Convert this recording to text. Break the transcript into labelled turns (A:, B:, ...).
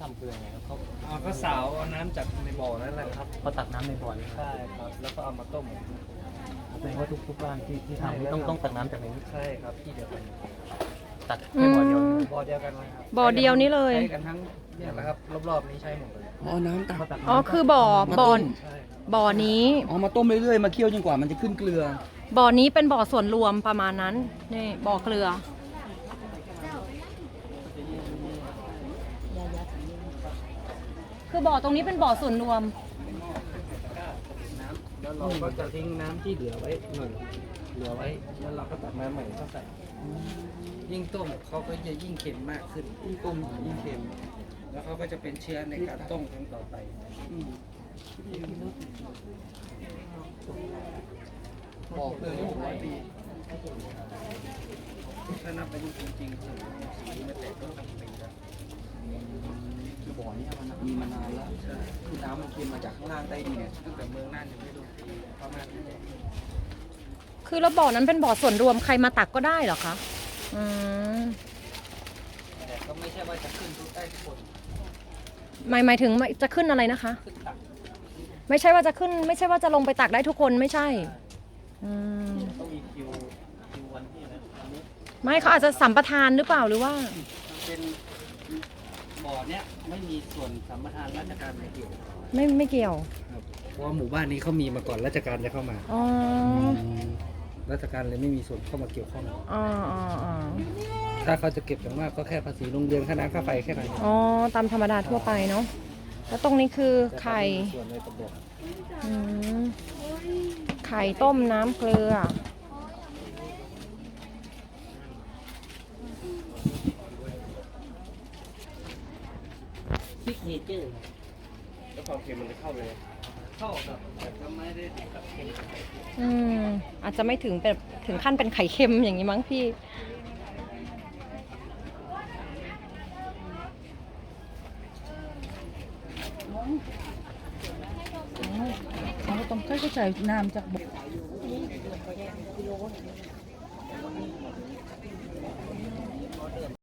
A: ำคือยังไงครับเขา
B: ก็สาวเอาน้ำจากในบ่อนั่นแหละครับ
A: เขาตักน้ำในบ่อเลย
B: ใช่ครับแล้วก็เอามาต้ม
A: แสดงว่าทุกบ้านที่ทำนี่ต้องตักน้ำจากในนี้
B: ใช่ครับที่เดียวกัน
A: ตักแค่บ่อเดียวนี่
B: บ่อเดียวกันเลยครับ
C: บ่อเดียวนี้เลย
B: ใช้กันทั้งเนี่ยแหละครับรอบๆนี้ใช้หมดเลย
D: อ๋อน้ำตัก
A: เขาตัก
C: อ๋อ
A: น้ำ
C: คือบ่อ
B: ใช่ครับ
C: บ่อนี้
D: อ๋อมาต้มเรื่อยๆมาเคี่ยวจนกว่ามันจะขึ้นเกลือ
C: บ่อนี้เป็นบ่อส่วนรวมประมาณนั้น นี่บ่อเกลือ คือบ่อตรงนี้เป็นบ่อส่วนรวม
B: น้ำแล้วเราก็จะทิ้งน้ำที่เหลือไว้หนึ่งเหลือไว้แล้วเราก็ตักน้ำใหม่เข้าใส่ยิ่งต้มเขาก็จะยิ่งเค็มมากขึ้นยิ่งต้มยิ่งเค็มแล้วเขาก็จะเป็นเชื้อในการต้มครั้งต่อไปบอกเลย600 ปีถ้านับอายุจริงๆสีมันแตกต้องทำปีแล้ว
D: คือบ่อนี้มันมีมานานแล้วคือน้ำมันเค็มมาจากข้างล่างใต้ดิน
B: ตั้งแต่เมืองน่านยังไม่รู้ประมาณนี้
C: คือแล้วบ่อนั้นเป็นบ่อส่วนรวมใครมาตักก็ได้เหรอคะ อืม
B: แต่ก็ไม่ใช่ว่าจะขึ้นทุกได้ทุกคน
C: หมายถึงจะขึ้นอะไรนะคะ
B: ขึ้นตัก
C: ไม่ใช่ว่าจะขึ้น ไม่ใช่ว่าจะลงไปตักได้ทุกคนไม่ใช่ อืม
B: ต้องมีคิววันที่นะวันนี้
C: ไม่เขาอาจจะสัมปทานหรือเปล่าหรือว่า
B: มันเป็นบ่อเนี้ยไม่มีส่วนสัมปทานราชการไม่เกี่ยว
C: ไม่เกี่ยว
B: ครับเพราะว่าหมู่บ้านนี้เขามีมาก่อนราชการจะเข้ามา
C: อ๋อ
B: ราชการเลยไม่มีส่วนเข้ามาเกี่ยวข้อง
C: อ๋ออ๋ออ๋อ
B: ถ้าเขาจะเก็บอย่างมากก็แค่ภาษีโรงเรียนค่าน้ำค่าไฟแค่นั้น
C: อ๋อ ตามธรรมดาทั่วไปเนาะ แล้วตรงนี้คือไข่
B: ส่วนในตำบล
C: อืมไข่ต้มน้ำเกลือ
A: ซิกเนเจอร์
B: แล้วความเค็มมันจะเข้าเลยเข้าครับแต่ก็ไม่ได้ถึงกับเค็ม
C: อืม อาจจะไม่ถึงแบบถึงขั้นเป็นไข่เค็มอย่างนี้มั้งพี่
E: เราต้องใช้น้ำจากบ่อ